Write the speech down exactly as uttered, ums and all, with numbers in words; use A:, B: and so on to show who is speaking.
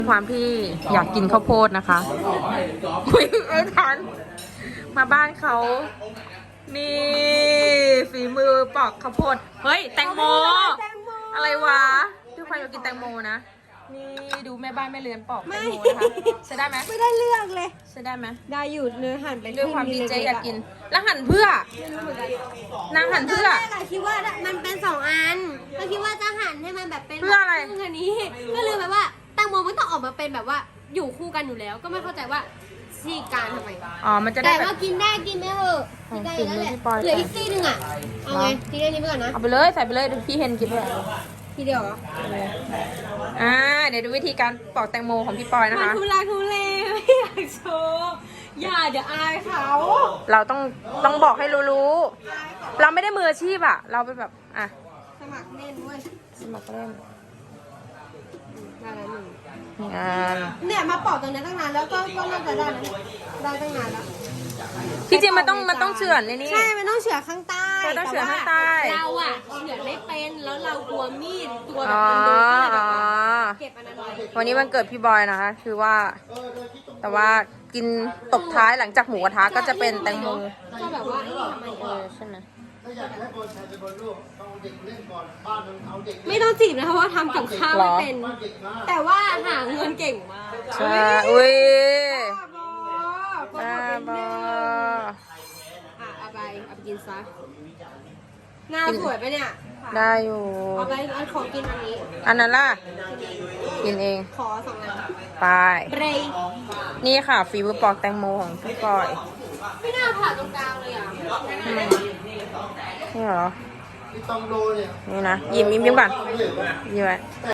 A: ความที่อยากกินข้าวโพดนะคะคุยเออทันมาบ้านเขานี่ฝีมือปอกข้าวโพดเฮ้ยแตงโมอะไรวะด้วยความอยากกินแตงโมนะนี่ดูแม่บ้านแม่เรือนปอกแตงโมนะคะใช้ได้ไหม
B: ไม่ได้เลือกเลย
A: ใช้ได้ไหม
B: ได้อยู่เนื้อหั่นไป
A: ด้วยความดีใจอยากกินแล้วหั่นเพื่อนางหั่นเพื่อ
B: ตอนแรกอะคิดว่ามันเป็นสองอันก็คิดว่าจะหั่นให้มันแบบเป็น
A: เพื่ออะไร
B: ครึ่งอันนี้ก็เลยแบบว่าแตงโมมันต้องออกมาเป็นแบบว่าอยู่คู่กันอยู่แล้ว ก็ไม่เข้าใจว่าซี่การทำไม
A: อ๋อมันจะได้
B: แต่
A: แบบ
B: ว่ากินได้กินไม่เถอะกินได้แล้วแหละ
A: ของฝีมือพี่ปอย
B: เหลืออีกซี่หนึงอะเอาไงทีนี้นี้ไปก่อนนะ
A: เอาไปเลยใส่ไปเลยดูพี่เฮนกินด้วย
B: ทีเดียวเหรอ
A: อ่าเดี๋ยวดูวิธีการปอกแตงโมของพี่ปอยนะ
B: มัน
A: คะ
B: ทุลักทุเลไม่อยากโชว์อย่าเดี๋ยวอายเขา
A: เราต้องต้องบอกให้รู้ๆเราไม่ได้มืออาชีพอะเราเป็นแบบอ่ะ
B: สมัครเล่นเว้ย
A: สมัครเล่น
B: ได้แล้วหนึ่ง
A: งาน
B: เนี่ยมาปอกตรงนี้ตั้งนานแล้วก็ก็น่าจะได้แล้วได้ตั้งนานแล้ว
A: ที่จริงมันต้องมันต้องเฉือนเลยนี่
B: ใช่ มันต้องเฉือนข้างใต้
A: มันต้องเฉือนข้างใต้
B: แต่ว่าเราอะเฉือนไม่เป็น แล้วเรากลัวมีดตัวแบ
A: อ๋
B: บ
A: อ
B: มันโดนก็เลยแบบ
A: อ๋อ
B: ว่าเก็บอันนั้นไว้
A: วันนี้วันเกิดพี่บอยนะคะ คือว่า แต่ว่ากินตบท้ายหลังจากหมูกระทะก็จะเป็นแตงโม
B: ก็แบบว่าไอ้นี่ทำไม
A: เอ
B: เอ
A: อ
B: อ
A: ใช่ไหม
B: ไม่ต้องจีบนะคะเพราะว่าทำกับข้าวไม่เป็น แต่ว่าหาเงินเก่งมาก
A: ใช่อุ้ย
B: บ้าบอโปร
A: บ้า
B: โมท
A: บ
B: นิด
A: อ
B: นึงอ่ะเอาไปเอาไปกินซะหน้าสวยปะเนี่ย
A: ได้อยู่
B: เอาไปเอาของกินอันนี้
A: อันนั้นล่ะ กินเอง
B: ขอสองอัน
A: ไป
B: เบรย์
A: นี่ค่ะฝีมือปอกแตงโมของพี่ปอย
B: ไม่น่าผ่าตรงกลางเลยอ่ะ
A: อืมนี่เหรอ นี่นะยิ้มยิ้มยิ้มก่อนยิ้มไว้